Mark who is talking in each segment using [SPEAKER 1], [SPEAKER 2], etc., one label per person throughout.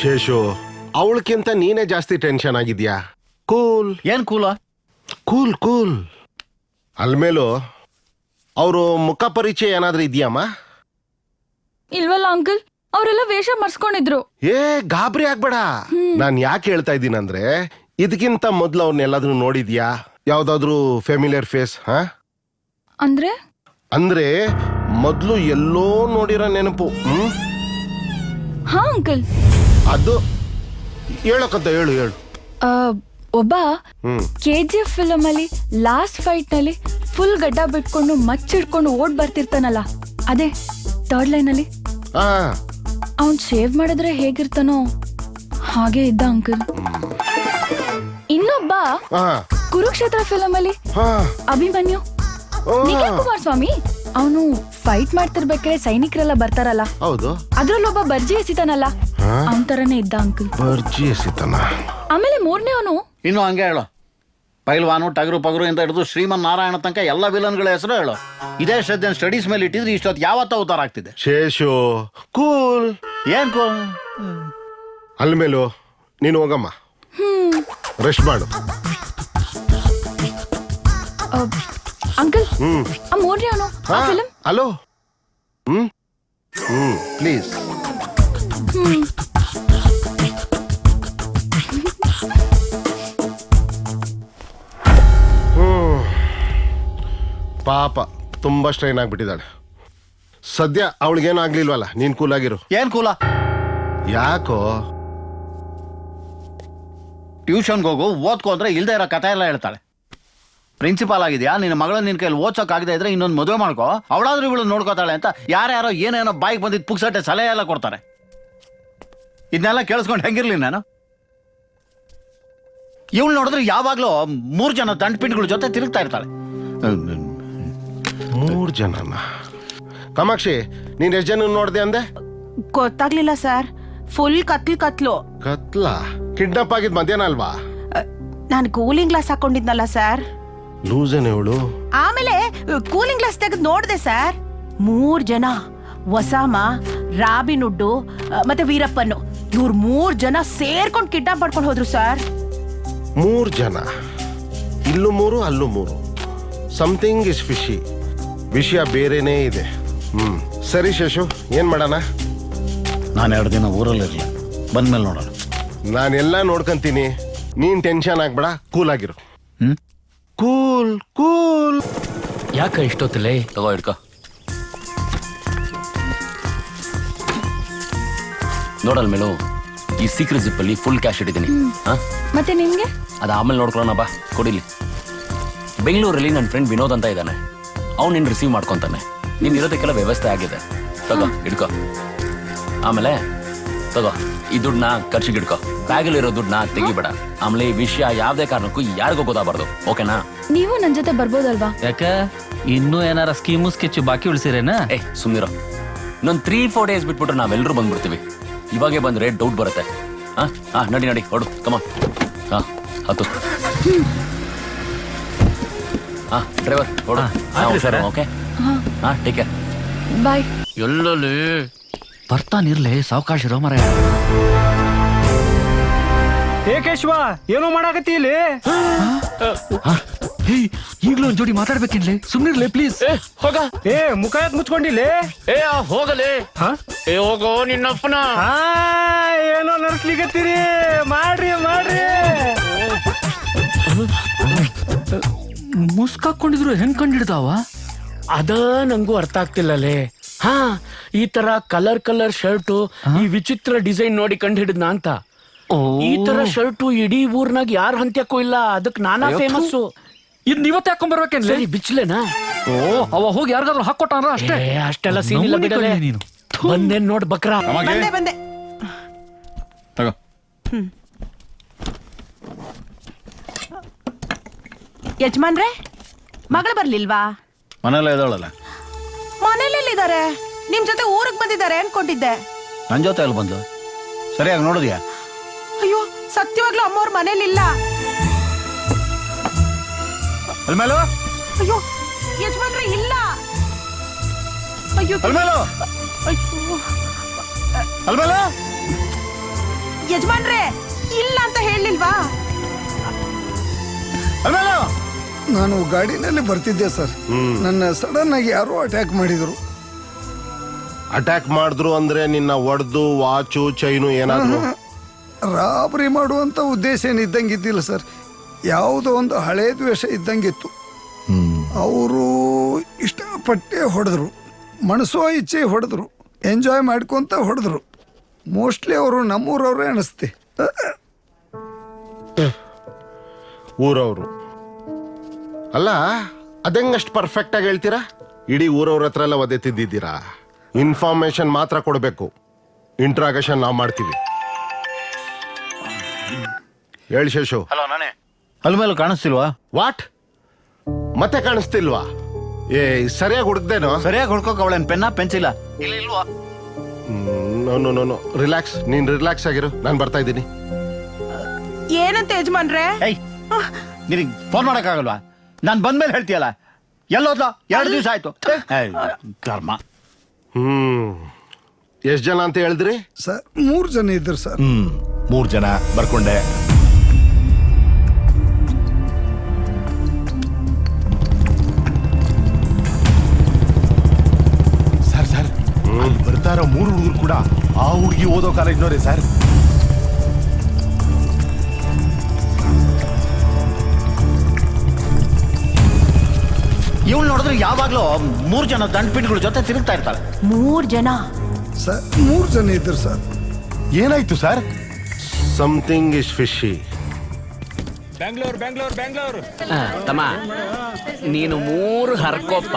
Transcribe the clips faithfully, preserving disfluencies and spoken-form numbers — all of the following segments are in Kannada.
[SPEAKER 1] ಶೇಷು, ಅವಳಕ್ಕಿಂತ ನೀನೇ ಜಾಸ್ತಿ ಟೆನ್ಷನ್ ಆಗಿದ್ಯಾ. ಕೂಲ್.
[SPEAKER 2] ಏನ್ ಕೂಲ?
[SPEAKER 1] Cool cool. ಅಲ್ಮೇಲೂ ಅವರು ಮುಖ ಪರಿಚಯ ಏನಾದ್ರೂ ಇದೆಯಮ್ಮ?
[SPEAKER 3] ಇಲ್ವಲ್ಲ ಅಂಕಲ್, ಅವರೆಲ್ಲ ವೇಷ ಮರ್ಸ್ಕೊಂಡಿದ್ರು.
[SPEAKER 1] ಏ ಗಾಬರಿ ಆಗ್ಬೇಡ. ನಾನ್ ಯಾಕೆ ಹೇಳ್ತಾ ಇದ್ದೀನಂದ್ರೆ, ಇದಕ್ಕಿಂತ ಮೊದ್ಲು ಅವ್ರನ್ನೆಲ್ಲಾದ್ರೂ ನೋಡಿದ್ಯಾ? ಯಾವ್ದಾದ್ರು ಫೆಮಿಲಿಯರ್ ಫೇಸ್? ಹಾ
[SPEAKER 3] ಅಂದ್ರೆ
[SPEAKER 1] ಅಂದ್ರೆ ಮೊದ್ಲು ಎಲ್ಲೋ ನೋಡಿರೋ ನೆನಪು. ಹ್ಮ್
[SPEAKER 3] ಹಾ ಅಂಕಲ್.
[SPEAKER 1] ಅದು ಹೇಳಕಂತ ಹೇಳು ಹೇಳು.
[SPEAKER 3] ಒಬ್ಬ
[SPEAKER 1] ಹ್ಮ್
[SPEAKER 3] ಕೆ ಜಿ ಎಫ್ ಫಿಲಮ್ ಅಲ್ಲಿ ಲಾಸ್ಟ್ ಫೈಟ್ ನಲ್ಲಿ ಫುಲ್ ಗಡ್ಡ ಬಿಟ್ಕೊಂಡು ಮಚ್ಚಿಡ್ಕೊಂಡು ಓಡ್ ಬರ್ತಿರ್ತಾನಲ್ಲ, ಅದೇ ಥರ್ಡ್ ಲೈನ್ ಅಲ್ಲಿ.
[SPEAKER 1] ಹಾ
[SPEAKER 3] ಅವನ್ ಶೇವ್ ಮಾಡಿದ್ರೆ ಹೇಗಿರ್ತಾನೋ ಹಾಗೆ ಇದ್ದ ಅಂಕಲ್. ಇನ್ನೊಬ್ಬ
[SPEAKER 1] ಹಾ
[SPEAKER 3] ಕುರುಕ್ಷೇತ್ರ ಫಿಲಮ್ ಅಲ್ಲಿ
[SPEAKER 1] ಹಾ
[SPEAKER 3] ಅಭಿಮನ್ಯು, ನಿಖಿಲ್ ಕುಮಾರಸ್ವಾಮಿ, ಅವನು ಫೈಟ್ ಮಾಡ್ತಿರ್ಬೇಕಾದ್ರೆ ಸೈನಿಕರೆಲ್ಲ ಬರ್ತಾರಲ್ಲ,
[SPEAKER 1] ಹೌದು,
[SPEAKER 3] ಅದ್ರಲ್ಲೊಬ್ಬ ಬರ್ಜಿ ಎಸಿತಾನಲ್ಲ, ಅವನ್ ತರನೇ ಇದ್ದ ಅಂಕಲ್.
[SPEAKER 1] ಬರ್ಜಿ ಎಸಿತಾನ.
[SPEAKER 3] ಆಮೇಲೆ ಮೂರನೇ ಅವನು
[SPEAKER 2] ಇನ್ನು ಹಂಗೆ ಹೇಳು. ಪೈಲ್ವಾನು, ಟಗರು ಪಗರು ಇಂದ ಹಿಡಿದು ಶ್ರೀಮನ್ ನಾರಾಯಣ ತನಕ ಎಲ್ಲ ವಿಲನ್ಗಳ ಹೆಸರು ಹೇಳು. ಇದೇ ಶ್ರದ್ಧೆ ಸ್ಟಡೀಸ್ ಮೇಲೆ ಇಟ್ಟಿದ್ರೆ ಇಷ್ಟೊತ್ತು ಯಾವತ್ತ ಅವತಾರ ಆಗ್ತಿದೆ.
[SPEAKER 1] ಶೇಷು ಕೂಲ್.
[SPEAKER 2] ಏನ್ ಕೂಲ್?
[SPEAKER 1] ಅಲ್ಮೇಲು ನೀನು ಹೋಗಮ್ಮ, ರೆಸ್ಟ್ ಮಾಡು.
[SPEAKER 3] ಅಂಕಲ್,
[SPEAKER 1] ಹ್ಮ್
[SPEAKER 3] ಆ ಮೂರನೇ ಅವನು ಆ ಫಿಲಂ.
[SPEAKER 1] ಹಲೋ. ಹ್ಮ್ ಹ್ಮ್ ಪ್ಲೀಸ್. ಪಾಪ ತುಂಬಾ ಸ್ಟ್ರೈನ್ ಆಗ್ಬಿಟ್ಟಿದ್ದಾಳೆ. ಸದ್ಯ ಅವಳಿಗೇನು ಆಗ್ಲಿಲ್ವಲ್ಲ, ನೀನ್ ಕೂಲ್ ಆಗಿರು.
[SPEAKER 2] ಏನ್ ಕೂಲ?
[SPEAKER 1] ಯಾಕೋ?
[SPEAKER 2] ಟ್ಯೂಷನ್ಗೆ ಹೋಗು, ಓದ್ಕೋ ಅಂದ್ರೆ ಇಲ್ದೇ ಇರೋ ಕಥೆ ಎಲ್ಲ ಹೇಳ್ತಾಳೆ. ಪ್ರಿನ್ಸಿಪಾಲ್ ಆಗಿದ್ಯಾ, ನಿನ್ನ ಮಗಳ ನಿನ್ ಕೈಲಿ ಓದ್ಸೋಕ್ ಆಗದೆ ಇದ್ರೆ ಇನ್ನೊಂದು ಮದುವೆ ಮಾಡ್ಕೋ, ಅವಳಾದ್ರೂ ಇವಳು ನೋಡ್ಕೋತಾಳೆ ಅಂತ ಯಾರ್ಯಾರೋ ಏನೇನೋ ಬಾಯಿಗೆ ಬಂದಿದ್ದು ಪುಕ್ಸಟ್ಟೆ ಸಲಹೆ ಎಲ್ಲ ಕೊಡ್ತಾರೆ. ಇದನ್ನೆಲ್ಲ ಕೇಳಿಸ್ಕೊಂಡು ಹೆಂಗಿರ್ಲಿ ನಾನು? ಇವಳು ನೋಡಿದ್ರೆ ಯಾವಾಗ್ಲೂ ಮೂರ್ ಜನ ದಂಡಪಿಂಡ್ಗಳ ಜೊತೆ ತಿರುಗ್ತಾ ಇರ್ತಾಳೆ.
[SPEAKER 1] ಮೂರ್ ಜನನ? ಕಾಮಾಕ್ಷಿ, ನೀನ್ ಎಷ್ಟು ಜನ ನೋಡ್ದೆ ಅಂದೆ?
[SPEAKER 4] ಗೊತ್ತಾಗ್ಲಿಲ್ಲ ಸರ್, ಫುಲ್ ಕತ್ಲು ಕತ್ಲು.
[SPEAKER 1] ಕತ್ಲ? ಕಿಡ್ನಾಪ್ ಆಗಿದ್ ಮಧ್ಯಾಹ್ನ ಅಲ್ವಾ?
[SPEAKER 4] ನಾನು ಕೂಲಿಂಗ್ ಗ್ಲಾಸ್ ಹಾಕೊಂಡಿದ್ನಲ್ಲ ಸರ್.
[SPEAKER 1] ಲೂಸನ್ ಇವಳು.
[SPEAKER 4] ಆಮೇಲೆ ಕೂಲಿಂಗ್ ಗ್ಲಾಸ್ ತೆಗೆದು ನೋಡ್ದೆ ಸರ್, ಮೂರ್ ಜನ, ವಸಾಮ, ರಾಬಿನ್ ಹುಡ್ಡು ಮತ್ತೆ ವೀರಪ್ಪನು, ಇವ್ರು ಮೂರ್ ಜನ ಸೇರ್ಕೊಂಡು ಕಿಡ್ನಾಪ್ ಮಾಡ್ಕೊಂಡು ಹೋದ್ರು ಸರ್.
[SPEAKER 1] ಮೂರ್ ಜನ, ಇಲ್ಲೂ ಮೂರು ಅಲ್ಲೂ ಮೂರು. Something is fishy. ವಿಷಯ ಬೇರೆನೇ ಇದೆ. ಹ್ಮ್ ಸರಿ ಶೇಷು, ಏನ್ ಮಾಡೋಣ?
[SPEAKER 2] ನಾನು ಎರಡು ದಿನ ಊರಲ್ಲಿರಲಿ, ಬಂದ್ಮೇಲೆ ನೋಡೋಣ.
[SPEAKER 1] ನಾನೆಲ್ಲ ನೋಡ್ಕೊಂತೀನಿ, ನೀನ್ ಟೆನ್ಷನ್ ಆಗ್ಬೇಡ, ಕೂಲ್ ಆಗಿರು.
[SPEAKER 2] ಹ್ಮ್
[SPEAKER 1] ಕೂಲ್ ಕೂಲ್.
[SPEAKER 5] ಯಾಕ ಇಷ್ಟೊತ್ತಲೇ? ತಗೋ ಇಡ್ಕೊ. ನೋಡಲ್ ಮೇಲೂ ಈ ಸೀಕ್ರೆಟ್ ಜಿಪ್ ಅಲ್ಲಿ ಫುಲ್ ಕ್ಯಾಶ್ ಇಟ್ಟಿದ್ದೀನಿ.
[SPEAKER 3] ಮತ್ತೆ ನಿಮ್ಗೆ?
[SPEAKER 5] ಅದ ಆಮೇಲೆ ನೋಡ್ಕೊಳ್ಳೋಣ ಬಾ, ಕೊಡಿಲಿ. ಬೆಂಗಳೂರಲ್ಲಿ ನನ್ನ ಫ್ರೆಂಡ್ ವಿನೋದ್ ಅಂತ ಇದ್ದಾನೆ, ಅವ್ನು ನಿನ್ನ ರಿಸೀವ್ ಮಾಡ್ಕೊಂತಾನೆ. ನೀನ್ ಇರೋದಕ್ಕೆಲ್ಲ ವ್ಯವಸ್ಥೆ ಆಗಿದೆ. ತಗೋ ಇಡ್ಕೊ. ಆಮೇಲೆ ತಗೋ ಈ ದುಡ್ಡನ್ನ ಖರ್ಚಿಗೆ ಇಡ್ಕೊ. ಬ್ಯಾಗಲ್ಲಿ ಇರೋ ದುಡ್ಡನ್ನ ತೆಗಿಬೇಡ. ಆಮೇಲೆ ಈ ವಿಷಯ ಯಾವ್ದೇ ಕಾರಣಕ್ಕೂ ಯಾರಿಗೂ ಗೊತ್ತಾಗಬಾರ್ದು, ಓಕೆನಾ?
[SPEAKER 3] ನೀವು ನನ್ ಜೊತೆ ಬರ್ಬೋದಲ್ವಾ?
[SPEAKER 6] ಯಾಕ ಇನ್ನೂ ಏನಾರ ಸ್ಕೀಮು ಸ್ಕೆಚ್ ಬಾಕಿ ಉಳಿಸಿರೇನಾ?
[SPEAKER 5] ಏ ಸುಮ್ನಿರೋ. ಇನ್ನೊಂದು ತ್ರೀ ಫೋರ್ ಡೇಸ್ ಬಿಟ್ಬಿಟ್ರೆ ನಾವೆಲ್ಲರೂ ಬಂದ್ಬಿಡ್ತೀವಿ. ಇವಾಗೆ ಬಂದ್ರೆ ಡೌಟ್ ಬರುತ್ತೆ. ಹಾ ಹಾ ನಡಿ ನಡಿ ಹೊಡು, ಕಮ. ಹಾ ಹತ್ತು. ಹಾ ಡ್ರೈವರ್ ಹೊಡು. ಓಕೆ ಹಾ ಟೇಕ್ ಕೇರ್.
[SPEAKER 3] ಬಾಯ್.
[SPEAKER 6] ಎಲ್ಲಲ್ಲಿ ಬರ್ತಾನಿರ್ಲಿ, ಸಾವಕಾಶ ಇರೋ ಮರ.
[SPEAKER 7] ಏ ಕೇಶವ, ಏನೋ ಮಾಡಾಕತ್ತಿ ಇಲ್ಲಿ?
[SPEAKER 6] ಈಗ್ಲೂ ಒಂದ್ ಜೋಡಿ ಮಾತಾಡ್ಬೇಕಿನ್ಲಿ, ಸುಮ್ನಿರ್ಲಿ ಪ್ಲೀಸ್.
[SPEAKER 5] ಹೋಗ.
[SPEAKER 7] ಏ ಮುಖ ಎತ್ ಮುಚ್ಕೊಂಡಿಲ್ಲಿ.
[SPEAKER 5] ಏ ಹೋಗಲೇ. ಏ ಹೋಗೋ ನಿನ್ನಪ್ಪನ.
[SPEAKER 7] ಹಾ ಏನೋ ನಡ್ಸ್ಲಿಕತ್ತೀರಿ, ಮಾಡ್ರಿ ಮಾಡ್ರಿ.
[SPEAKER 6] ಮುಸ್ಕಾಕೊಂಡಿದ್ರು ಹೆಂಗ್ ಕಂಡಿಡ್ತಾವ?
[SPEAKER 8] ಅದ ನಂಗೂ ಅರ್ಥ ಆಗ್ತಿಲ್ಲಲೇ. ಹಾ ಈ ತರ ಕಲರ್ ಕಲರ್ ಶರ್ಟು, ಈ ವಿಚಿತ್ರ ಡಿಸೈನ್ ನೋಡಿ ಕಂಡು ಹಿಡಿದ್ನ ಅಂತ. ಈ ತರ ಶರ್ಟು ಇಡೀ ಊರ್ನಾಗ ಯಾರ ಹಂತ್ಯಕ್ಕೂ ಇಲ್ಲ, ಅದಕ್ ನಾನಾ ಫೇಮಸ್.
[SPEAKER 6] ಇದ್ ನೀವತ್ತೆ ಹಾಕೊಂಡ್ಬರ್ಬೇಕೇನ್ಲಿ?
[SPEAKER 8] ಸರಿ ಬಿಚ್ಲೇನಾ?
[SPEAKER 6] ಓ ಅವ ಹೋಗಿ ಯಾರಿಗಾದ್ರು ಹಾಕೊಟ್ಟಾರ ಅಷ್ಟೇ.
[SPEAKER 8] ಅಷ್ಟೆಲ್ಲ ಸೀನ್ ಇಲ್ಲ ಬಿಡಲೇ.
[SPEAKER 6] ನೀನು
[SPEAKER 8] ಬಂದೇನ್ ನೋಡ್ ಬಕ್ರಾ.
[SPEAKER 4] ಬಂದೆ ಬಂದೆ.
[SPEAKER 2] ತಗೋ.
[SPEAKER 4] ಯಜಮಾನ್ರೆ, ಮಗಳು ಬರ್ಲಿಲ್ವಾ?
[SPEAKER 2] ಮನೆಯಲ್ಲ ಇದ್ದಾಳಲ್ಲ.
[SPEAKER 4] ಮನೇಲಿದ್ದಾರೆ, ನಿಮ್ ಜೊತೆ ಊರಿಗೆ ಬಂದಿದ್ದಾರೆ ಅನ್ಕೊಂಡಿದ್ದೆ.
[SPEAKER 2] ನನ್ನ ಜೊತೆ ಅಲ್ಲಿ ಬಂದು ಸರಿಯಾಗಿ ನೋಡಿದ್ಯಾ?
[SPEAKER 4] ಅಯ್ಯೋ ಸತ್ಯವಾಗ್ಲೂ ಅಮ್ಮವ್ರ ಮನೇಲಿಲ್ಲ.
[SPEAKER 2] ಅಲ್ಮೇಲು,
[SPEAKER 4] ಅಯ್ಯೋ ಯಜಮಾನ್ರೆ ಇಲ್ಲ. ಅಯ್ಯೋ
[SPEAKER 2] ಅಲ್ಮೇಲು,
[SPEAKER 4] ಅಯ್ಯೋ
[SPEAKER 2] ಅಲ್ಮೇಲು.
[SPEAKER 4] ಯಜಮಾನ್ರೆ ಇಲ್ಲ ಅಂತ ಹೇಳಿಲ್ವಾ?
[SPEAKER 9] ನಾನು ಗಾಡಿನಲ್ಲಿ ಬರ್ತಿದ್ದೆ ಸರ್. ನನ್ನ ಸಡನ್ ಆಗಿ ಯಾರೋ ಅಟ್ಯಾಕ್ ಮಾಡಿದ್ರು.
[SPEAKER 1] ಅಟ್ಯಾಕ್ ಮಾಡಿದ್ರು ಅಂದ್ರೆ ನಿನ್ನ ಒಡೆದು ವಾಚು ಚೈನು ಏನಾದ್ರು?
[SPEAKER 9] ರಾಬರಿ ಮಾಡುವಂತ ಉದ್ದೇಶ ಏನಿದ್ದಂಗಿದ್ದಿಲ್ಲ ಸರ್. ಯಾವುದೋ ಒಂದು ಹಳೇ ದ್ವೇಷ ಇದ್ದಂಗಿತ್ತು. ಅವರು ಇಷ್ಟಪಟ್ಟೆ ಹೊಡೆದ್ರು, ಮನಸ್ಸೋ ಇಚ್ಛೆ ಹೊಡೆದ್ರು, ಎಂಜಾಯ್ ಮಾಡ್ಕೊಂತ ಹೊಡೆದ್ರು. ಮೋಸ್ಟ್ಲಿ ಅವರು ನಮ್ಮೂರವ್ರೇ ಅನಿಸ್ತೆ.
[SPEAKER 1] ಊರವರು ಅಲ್ಲ, ಅದೆಂಗಷ್ಟು ಪರ್ಫೆಕ್ಟ್ ಆಗಿ ಹೇಳ್ತೀರಾ? ಇಡೀ ಊರವ್ರ ಹತ್ರ ಎಲ್ಲ ಒದೆ ತಿದ್ದಿದ್ದೀರಾ? ಇನ್ಫಾರ್ಮೇಶನ್ ಮಾತ್ರ ಕೊಡಬೇಕು, ಇಂಟ್ರಾಗೇಷನ್ ನಾವು ಮಾಡ್ತೀವಿ. ಹೇಳಿ ಶೇಷು.
[SPEAKER 2] ಹಲೋ, ನಾನೇ. ಅಲ್ ಮೇಲೂ ಕಾಣಿಸ್ತಿಲ್ವಾ?
[SPEAKER 1] ವಾಟ್? ಮತ್ತೆ ಕಾಣಿಸ್ತಿಲ್ವಾ? ಏ ಸರಿಯಾಗಿ ಹುಡುಕ್ದೇನೋ?
[SPEAKER 2] ಸರಿಯಾಗಿ ಹುಡ್ಕೋಕ್ ಅವಳೇನ್ ಪೆನ್ನ ಪೆನ್ಸಿಲ್ಲ ಇಲ್ವಾ?
[SPEAKER 1] ನೋ ನೋ ನೋ ರಿಲ್ಯಾಕ್ಸ್, ನೀನ್ ರಿಲ್ಯಾಕ್ಸ್ ಆಗಿರು, ನಾನು ಬರ್ತಾ ಇದ್ದೀನಿ.
[SPEAKER 4] ಏನಂತ ಯಜಮಾನ್ರೆ?
[SPEAKER 2] ಏಯ್, ನಿನಗೆ ಫೋನ್ ಮಾಡಕ್ಕಾಗಲ್ವಾ? ನಾನು ಬಂದ್ಮೇಲೆ ಹೇಳ್ತೀಯಲ್ಲ. ಎಲ್ಲೋದ್ಲ? ಎರಡು ದಿವಸ ಆಯ್ತು. ಏಯ್, ಕರ್ಮ.
[SPEAKER 1] ಹ್ಮ್ ಎಷ್ಟ್ ಜನ ಅಂತ ಹೇಳಿದ್ರಿ?
[SPEAKER 9] ಸರ್ ಮೂರು ಜನ ಇದ್ರು ಸರ್.
[SPEAKER 10] ಹ್ಮ್ ಮೂರ್ ಜನ ಬರ್ಕೊಂಡೆ. ಸರ್ ಸರ್ ಅಲ್ಲಿ ಬರ್ತಾ ಇರೋ ಮೂರು ಹುಡುಗರು ಕೂಡ ಆ ಹುಡುಗಿ ಓದೋ ಕಾಲೇಜ್ನವ್ರೆ ಸರ್.
[SPEAKER 2] ಇವಳು ನೋಡಿದ್ರೆ ಯಾವಾಗ್ಲೂ ಮೂರ್ ಜನ ದಂಡಪಿಂಡ್ಗಳ ಜೊತೆ ತಿರುಗ್ತಾ ಇರ್ತಾರೆ.
[SPEAKER 4] ಮೂರ್ ಜನ
[SPEAKER 9] ಸರ್ ಮೂರು ಜನ ಇದ್ರು ಸರ್.
[SPEAKER 10] ಏನಾಯ್ತು sir?
[SPEAKER 1] Something is fishy.
[SPEAKER 7] Bengaluru Bengaluru Bengaluru
[SPEAKER 8] ತಮ್ಮ ನೀನು ಮೂರು ಹರ್ಕೋಪ್ಪ.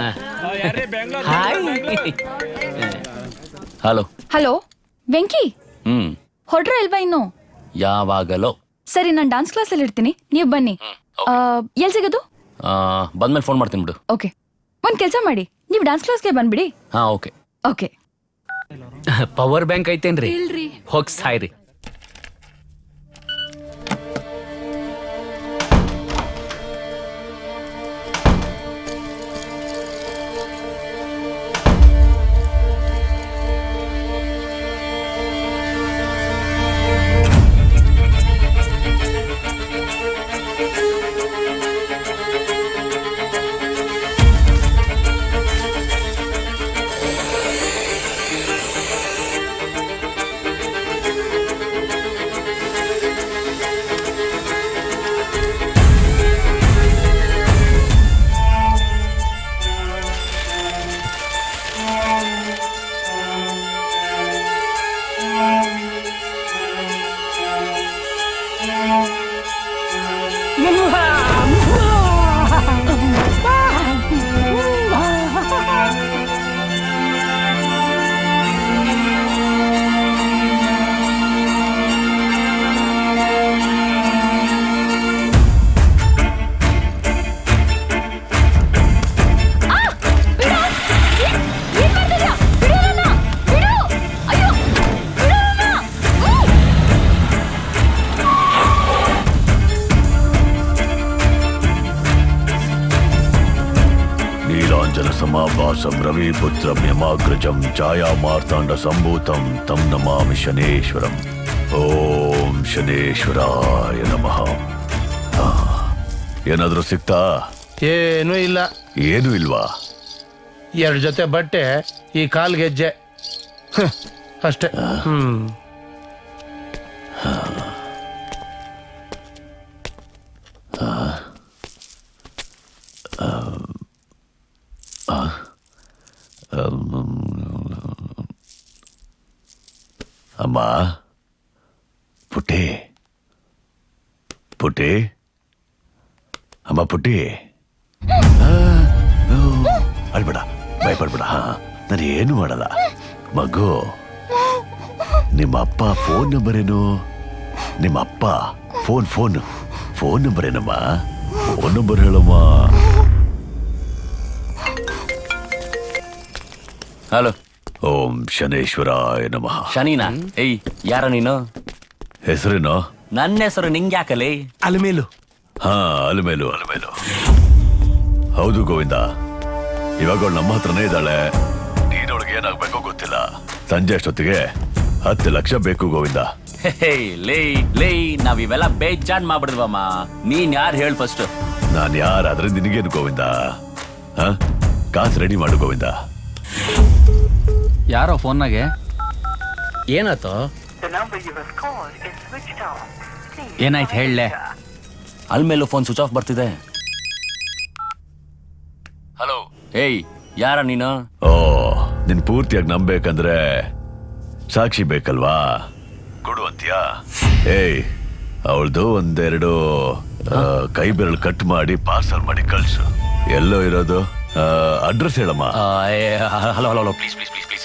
[SPEAKER 5] ಹಲೋ.
[SPEAKER 3] ಹಲೋ ವೆಂಕಿ,
[SPEAKER 5] ಹ್ಮ್
[SPEAKER 3] ಹೊಡ್ರ ಇಲ್ವಾ ಇನ್ನು?
[SPEAKER 5] ಯಾವಾಗಲೋ.
[SPEAKER 3] ಸರಿ, ನಾನು ಡಾನ್ಸ್ ಕ್ಲಾಸಲ್ಲಿ ಇರ್ತೀನಿ, ನೀವು ಬನ್ನಿ. ಎಲ್ಲಿ ಸಿಗೋದು?
[SPEAKER 5] ಆ, ಬಂದ್ಮೇಲೆ ಫೋನ್ ಮಾಡ್ತೀನಿ ಬಿಡು.
[SPEAKER 3] ಓಕೆ, ಒಂದ್ ಕೆಲಸ ಮಾಡಿ, ನೀವು ಡಾನ್ಸ್ ಕ್ಲಾಸ್ಗೆ ಬಂದ್ಬಿಡಿ.
[SPEAKER 5] ಹಾ ಓಕೆ.
[SPEAKER 3] ಓಕೆ.
[SPEAKER 8] ಪವರ್ ಬ್ಯಾಂಕ್ ಐತೇನ್ರಿ? ಹೋಗ್ ಸಾಯ್ರಿ.
[SPEAKER 10] समाभासं रविपुत्रं यमाग्रजं छायामार्ताण्ड सम्भूतं तं नमामि शनेश्वरम्. ಓಂ ಶನೇಶ್ವರಾಯ ನಮಃ. ಏನಾದ್ರೂ ಸಿಕ್ತಾ?
[SPEAKER 11] ಏನೂ ಇಲ್ಲ.
[SPEAKER 10] ಏನೂ ಇಲ್ವಾ?
[SPEAKER 11] ಎರಡು ಜೊತೆ ಬಟ್ಟೆ, ಈ ಕಾಲ್ ಗೆಜ್ಜೆ ಅಷ್ಟೇ. ಹ್ಮ್
[SPEAKER 10] ಅಮ್ಮ, ಪುಟ್ಟಿ ಪುಟ್ಟಿ ಅಮ್ಮ ಪುಟ್ಟಿ, ಅಳ್ಬೇಡ, ಭಯಪಡ್ಬೇಡ. ಹಾ, ನಾನು ಏನು ಮಾಡಲ್ಲ ಮಗು. ನಿಮ್ಮ ಅಪ್ಪ ಫೋನ್ ನಂಬರ್ ಏನು? ನಿಮ್ಮ ಅಪ್ಪ ಫೋನ್ ಫೋನ್ ಫೋನ್ ನಂಬರ್ ಏನಮ್ಮ? ಫೋನ್ ನಂಬರ್ ಹೇಳಮ್ಮ.
[SPEAKER 5] ಹಲೋ.
[SPEAKER 10] ಓಂ ಶನೇಶ್ವರಾಯ ನಮಃ.
[SPEAKER 5] ಶನಿನಾ? ಏಯ್, ಯಾರ ನೀನು?
[SPEAKER 10] ಹೆಸರೇನೋ?
[SPEAKER 5] ನನ್ನ ಹೆಸರು ನಿಂಗೆ ಯಾಕಲೇ?
[SPEAKER 10] ಅಲಮೇಲು. ಹಾ, ಅಲಮೇಲು ಅಲಮೇಲು. ಹೌದು ಗೋವಿಂದ, ಇವಾಗ ಅವಳು ನಮ್ಮ ಹತ್ರನೇ ಇದ್ದಾಳೆ. ನೀನೊಳಗೆ ಏನಾಗ್ಬೇಕೋ ಗೊತ್ತಿಲ್ಲ. ಸಂಜೆ ಅಷ್ಟೊತ್ತಿಗೆ ಹತ್ತು ಲಕ್ಷ ಬೇಕು ಗೋವಿಂದ.
[SPEAKER 5] ಹೇ ಲೇ ಲೇ ನಾವ್ ಇವೆಲ್ಲ ಬೇಜಾನ್ ಮಾಡ್ಬಿಡಿದ್ವಮ್ಮ. ನೀನ್ ಯಾರು ಹೇಳ ಫಸ್ಟ್?
[SPEAKER 10] ನಾನ್ ಯಾರಾದ್ರೆ ನಿನಗೇನು ಗೋವಿಂದ? ಹ ಕಾಸು ರೆಡಿ ಮಾಡು ಗೋವಿಂದ.
[SPEAKER 6] ಯಾರೋ ಫೋನ್ನಾಗೆ
[SPEAKER 8] ಏನಾಯ್ತು?
[SPEAKER 6] ಏನಾಯ್ತು ಹೇಳಲೆ?
[SPEAKER 5] ಅಲ್ ಮೇಲೂ ಫೋನ್ ಸ್ವಿಚ್ ಆಫ್ ಬರ್ತಿದೆ. ಹಲೋ, ಏಯ್ ಯಾರ ನೀನು?
[SPEAKER 10] ಓ, ನಿನ್ ಪೂರ್ತಿಯಾಗಿ ನಂಬೇಕಂದ್ರೆ ಸಾಕ್ಷಿ ಬೇಕಲ್ವಾ? ಕೊಡುವಂತ್ಯಾ? ಏಯ್, ಅವಳ್ದು ಒಂದೆರಡು ಕೈ ಬೆರಳು ಕಟ್ ಮಾಡಿ ಪಾರ್ಸಲ್ ಮಾಡಿ ಕಳ್ಸು. ಎಲ್ಲೋ ಇರೋದು? ಅಡ್ರೆಸ್ ಹೇಳಮ್ಮ.
[SPEAKER 5] Hello hello hello please please please please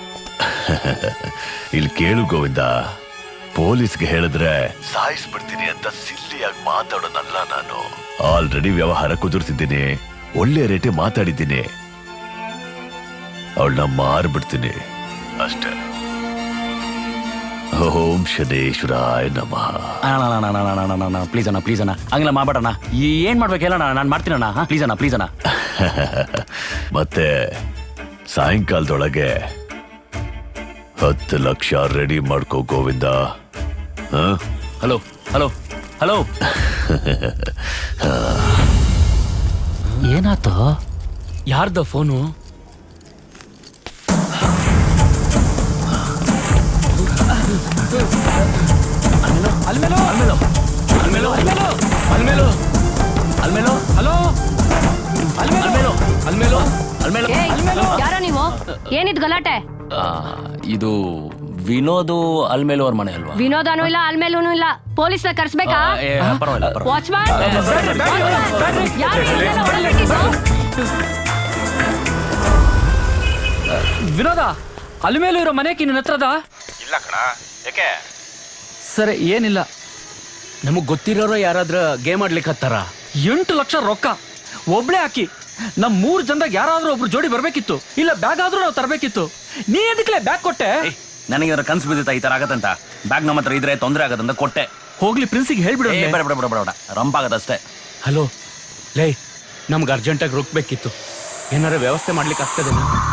[SPEAKER 10] ಇಲ್ಲಿ ಕೇಳು ಗೋವಿಂದ, ಪೊಲೀಸ್ಗೆ ಹೇಳಿದ್ರೆ ಸಾಯಿಸ್ಬಿಡ್ತೀನಿ ಅಂತ ಸಿಲ್ಲಿಯಾಗಿ ಮಾತಾಡೋನಲ್ಲ ನಾನು. ಆಲ್ರೆಡಿ ವ್ಯವಹಾರ ಕುದುರ್ತಿದ್ದೀನಿ, ಒಳ್ಳೆ ರೇಟೆ ಮಾತಾಡಿದ್ದೀನಿ. ಅವಳನ್ನ ಮಾರ್ಬಿಡ್ತೀನಿ ಅಷ್ಟೇ. ಓಂ ಶನೇಶ್ವರಾಯ ನಮಃ.
[SPEAKER 5] ಪ್ಲೀಸ್ ಅಣ್ಣ ಪ್ಲೀಸ್ ಅಣ್ಣ ಹಂಗಿಲ್ಲ ಮಾಡ್ಬೇಡಣ್ಣ. ಏನ್ ಮಾಡ್ಬೇಕು ಹೇಳೋಣ, ನಾನು ಮಾಡ್ತೀನಣ್ಣ. ಪ್ಲೀಸ್ ಅಣ್ಣ ಪ್ಲೀಸ್ ಅಣ್ಣ.
[SPEAKER 10] ಮತ್ತೆ ಸಾಯಂಕಾಲದೊಳಗೆ ಹತ್ತು ಲಕ್ಷ ರೆಡಿ ಮಾಡ್ಕೋ ಗೋವಿಂದ.
[SPEAKER 5] ಹಲೋ ಹಲೋ ಹಲೋ
[SPEAKER 6] ಏನಾಯ್ತು?
[SPEAKER 8] ಯಾರ್ದ ಫೋನು?
[SPEAKER 5] ಅಲ್ಮೇಲೋ ಅಲ್ಮೇಲೋ ಅಲ್ಮೇಲೋ ಅಲ್ಮೇಲೋ ಅಲ್ಮೇಲೋ ಹಲೋ ಅಲ್ಮೇಲೋ ಅಲ್ಮೇಲೋ ಅಲ್ಮೇಲೋ.
[SPEAKER 12] ಯಾರೋ ನೀವು? ಏನಿದ್ ಗಲಾಟೆ?
[SPEAKER 5] ಇದು ವಿನೋದು ಅಲ್ಮೇಲು ಅವ್ರ ಮನೆ ಅಲ್ವಾ?
[SPEAKER 12] ವಿನೋದನೂ ಇಲ್ಲ ಅಲ್ಮೇಲೂನು ಇಲ್ಲ. ಪೊಲೀಸ್ನ ಕರ್ಸ್ಬೇಕಾ?
[SPEAKER 5] ಪರವಾಗಿಲ್ಲ ಪರವಾಗಿಲ್ಲ.
[SPEAKER 12] ವಾಚ್ಮ್ಯಾನ್
[SPEAKER 6] ವಿನೋದ, ಅಲ್ಮೇಲು ಇರೋ ಮನೆಗೆ ನಿನ್ನ ಹತ್ರದ?
[SPEAKER 7] ಇಲ್ಲ ಕಣ, ಯಾಕೆ?
[SPEAKER 6] ಸರಿ, ಏನಿಲ್ಲ.
[SPEAKER 8] ನಮಗ್ ಗೊತ್ತಿರೋರು ಯಾರಾದ್ರ ಗೇಮ್ ಆಡ್ಲಿಕ್ಕೆ ಹತ್ತಾರ?
[SPEAKER 6] ಎಂಟು ಲಕ್ಷ ರೊಕ್ಕ ಒಬ್ಳೆ ಹಾಕಿ ನಮ್ ಮೂರ್ ಜನದಾಗ ಯಾರಾದ್ರೂ ಒಬ್ರು ಜೋಡಿ ಬರ್ಬೇಕಿತ್ತು. ಇಲ್ಲ ಬ್ಯಾಗ್ ಆದ್ರೂ ನಾವು ತರಬೇಕಿತ್ತು. ನೀ ಎದಕ್ಲೆ ಬ್ಯಾಗ್ ಕೊಟ್ಟೆ?
[SPEAKER 5] ನನಗೆ ಕನ್ಸು ಬಿದ್ದಿತ್ತ ಈ ತರ ಆಗತ್ತಂತ. ಬ್ಯಾಗ್ ನಮ್ಮ ಹತ್ರ ಇದ್ರೆ ತೊಂದರೆ ಆಗತ್ತಂತ ಕೊಟ್ಟೆ.
[SPEAKER 6] ಹೋಗ್ಲಿ, ಪ್ರಿನ್ಸಿಗೆ ಹೇಳ್ಬಿಡು.
[SPEAKER 5] ಬೇಡ ಬೇಡ ಬೇಡ ಬೇಡ, ರಂಪ್ ಆಗದಷ್ಟೇ.
[SPEAKER 8] ಹಲೋ ಲೇ, ನಮ್ಗೆ ಅರ್ಜೆಂಟಾಗಿ ರುಕ್ಬೇಕಿತ್ತು. ಏನಾರ ವ್ಯವಸ್ಥೆ ಮಾಡ್ಲಿಕ್ಕೆ ಆಗ್ತದೆ?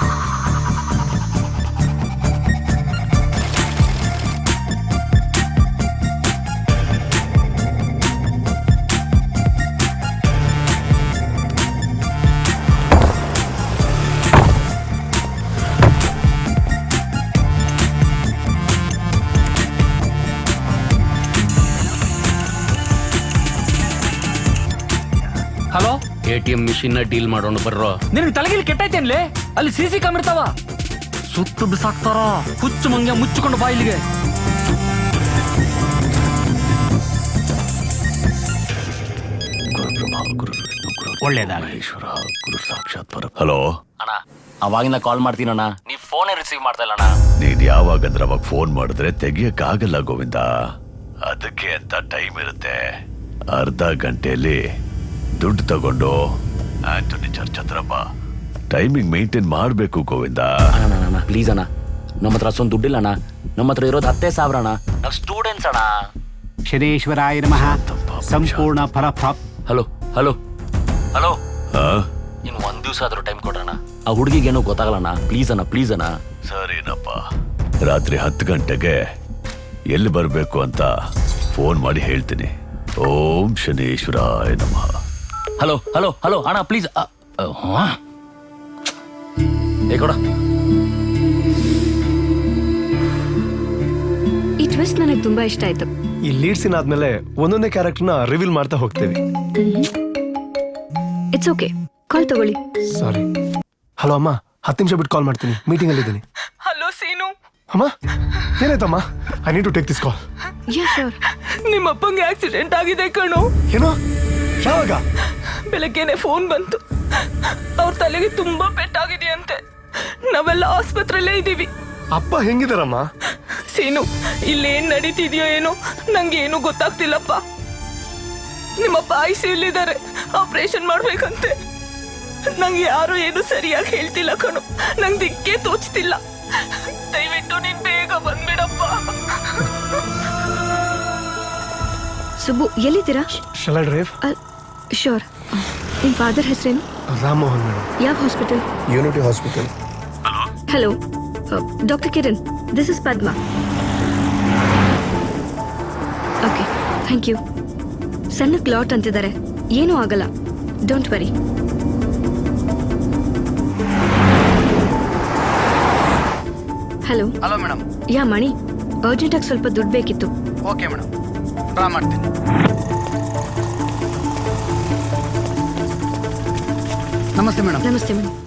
[SPEAKER 6] Hello,
[SPEAKER 8] A T M machine deal ಮಾಡೋಣ ಬರ್ರೋ.
[SPEAKER 6] ನಿನಗೆ ತಲೆಗಿಲಿ ಕೆಟ್ಟೈತೇನ್ಲೆ? ಅಲ್ಲಿ ಸಿ ಸಿ ಕ್ಯಾಮ್ ಇರ್ತಾವ, ಸುತ್ತು ಬಿಸಾಕ್ತಾರ. ಹುಚ್ಚು ಮಂಗ್ಯ ಮುಚ್ಚಿಕೊಂಡು ಬಾ ಇಲ್ಲಿಗೆ.
[SPEAKER 10] ಒಳ್ಳೇದಾಗೇಶ್ವರ ಗುರು ಸಾಕ್ಷಾತ್ ಪರ. ಹಲೋ
[SPEAKER 5] ಅಣ್ಣ, ಅವಾಗಿಂದ ಕಾಲ್ ಮಾಡ್ತೀನಣ್ಣ, ನೀ ಫೋನೇ ರಿಸೀವ್ ಮಾಡ್ತಾ ಇಲ್ಲ ಅಣ್ಣ.
[SPEAKER 10] ನೀನ್ ಯಾವಾಗಂದ್ರೆ ಅವಾಗ ಫೋನ್ ಮಾಡಿದ್ರೆ ತೆಗಿಯಕ್ಕಾಗಲ್ಲ ಗೋವಿಂದ. ಅದಕ್ಕೆ ಅಂತ ಟೈಮ್ ಇರುತ್ತೆ. ಅರ್ಧ ಗಂಟೆಯಲ್ಲಿ ದುಡ್ಡು ತಗೊಂಡು ಆಂಟೋನಿ ಚರ್ಚ್ ಹತ್ರ ಬಾ. ಟೈಮಿಂಗ್ ಮೇಂಟೈನ್ ಮಾಡ್ಬೇಕು ಗೋವಿಂದ.
[SPEAKER 5] ಅಣ್ಣ ಪ್ಲೀಸ್ ಅಣ್ಣ, ನಮ್ಮ ಹತ್ರ ಅಷ್ಟೊಂದು ದುಡ್ಡಿಲ್ಲ ಅಣ್ಣ. ನಮ್ಮ ಹತ್ರ ಇರೋದು ಹತ್ತೇ ಸಾವಿರ ಅಣ್ಣ. ನಾವು ಸ್ಟೂಡೆಂಟ್ಸ್ ಅಣ್ಣ.
[SPEAKER 2] ಶನೇಶ್ವರಾಯ ನಮಃ. ಸಂಪೂರ್ಣ ಫಲಪ್ರಾಪ್.
[SPEAKER 5] ಹಲೋ ಹಲೋ ಹಲೋ
[SPEAKER 10] ಹಾ,
[SPEAKER 5] ಇನ್ನು ಒಂದ್ ದಿವಸ ಆದ್ರೂ ಟೈಮ್ ಕೊಡ್ರಣ್ಣ. ಆ ಹುಡುಗಿಗೇನೋ ಗೊತ್ತಾಗಲ್ಲಣ್ಣ. ಪ್ಲೀಸ್ ಅಣ್ಣ ಪ್ಲೀಸ್ ಅಣ್ಣ.
[SPEAKER 10] ಸರಿನಪ್ಪ. ರಾತ್ರಿ ಹತ್ತು ಗಂಟೆಗೆ ಎಲ್ಲಿ ಬರಬೇಕು ಅಂತ ಫೋನ್ ಮಾಡಿ ಹೇಳ್ತೀನಿ. ಓಂ ಶನೇಶ್ವರಾಯ ನಮಃ.
[SPEAKER 5] ಹಲೋ ಹಲೋ ಹಲೋ ಅಣ್ಣ ಪ್ಲೀಸ್. ಏ ಕೊಡ.
[SPEAKER 12] ಈ ಟ್ವಿಸ್ಟ್ ನನಗೆ ತುಂಬಾ ಇಷ್ಟ ಆಯ್ತು.
[SPEAKER 13] ಈ ಲೀಡ್ ಸೀನ್ ಆದ್ಮೇಲೆ ಒಂದೊಂದೇ ಕ್ಯಾರೆಕ್ಟರ್ನ ರಿವೀಲ್ ಮಾಡ್ತಾ ಹೋಗ್ತೀವಿ.
[SPEAKER 12] ಇಟ್ಸ್ ಓಕೆ, ಕಾಲ್ ತಗೊಳ್ಳಿ.
[SPEAKER 13] ಸಾರಿ. ಹಲೋ ಅಮ್ಮ, ಹತ್ತು ನಿಮಿಷ ಬಿಟ್ಟು ಕಾಲ್ ಮಾಡ್ತೀನಿ, ಮೀಟಿಂಗ್ ಅಲ್ಲಿ ಇದ್ದೀನಿ.
[SPEAKER 3] ಹಲೋ ಸೀನು.
[SPEAKER 13] ಅಮ್ಮ ಏನಾಯ್ತಮ್ಮ? I need to take this call.
[SPEAKER 12] Yeah sure.
[SPEAKER 3] ನಿಮ್ಮ ಅಪ್ಪಂಗೆ ಆಕ್ಸಿಡೆಂಟ್ ಆಗಿದೆ ಕಣೋ.
[SPEAKER 13] ಏನೋ? ಯಾವಾಗ?
[SPEAKER 3] ಬೆಳಗ್ಗೆನೆ ಫೋನ್ ಬಂತು. ಅವ್ರ ತಲೆಗೆ ತುಂಬಾ ಪೆಟ್ಟಾಗಿದೆಯಂತೆ. ನಾವೆಲ್ಲ ಆಸ್ಪತ್ರೆಯಲ್ಲೇ ಇದ್ದೀವಿ.
[SPEAKER 13] ಅಪ್ಪ ಹೆಂಗಿದಾರಮ್ಮ?
[SPEAKER 3] ಸೀನು, ಇಲ್ಲೇನ್ ನಡೀತಿದ್ಯೋ ಏನೋ ನಂಗೆ ಏನು ಗೊತ್ತಾಗ್ತಿಲ್ಲಪ್ಪ. ನಿಮ್ಮಪ್ಪ ಐಸಿಯುಲಿದ್ದಾರೆ, ಆಪರೇಷನ್ ಮಾಡ್ಬೇಕಂತೆ. ನಂಗೆ ಯಾರು ಏನು ಸರಿಯಾಗಿ ಹೇಳ್ತಿಲ್ಲ ಕಣೋ. ನಂಗೆ ದಿಕ್ಕೇ ತೋಚ್ತಿಲ್ಲ. ದಯವಿಟ್ಟು ನೀನ್ ಬೇಗ ಬಂದ್ಬಿಡಪ್ಪ.
[SPEAKER 12] ಸುಬ್ಬು, ಎಲ್ಲಿದ್ದೀರಾ?
[SPEAKER 13] ಶಾಲಾ ಡ್ರೈವ್.
[SPEAKER 12] ಶೋರ್. ನಿಮ್ ಫಾದರ್ ಹೆಸರೇನು?
[SPEAKER 13] ರಾಮಮೋಹನ್ ಮೇಡಮ್.
[SPEAKER 12] ಯಾವ hospital?
[SPEAKER 13] Unity hospital.
[SPEAKER 12] Hello, doctor Kiran, this is Padma. Okay thank you. ಸಣ್ಣ ಕ್ಲಾಟ್ ಅಂತಿದ್ದಾರೆ, ಏನೂ ಆಗಲ್ಲ, don't worry. Hello
[SPEAKER 2] hello madam.
[SPEAKER 12] Yeah Mani, ಅರ್ಜೆಂಟಾಗಿ ಸ್ವಲ್ಪ ದುಡ್ಡು ಬೇಕಿತ್ತು.
[SPEAKER 2] ಓಕೆ ಮೇಡಮ್, ಡ್ರಾ ಮಾಡ್ತೀನಿ. ನಮಸ್ತೆ ಮೇಡಮ್.
[SPEAKER 12] ನಮಸ್ತೆ ಮೇಡಮ್.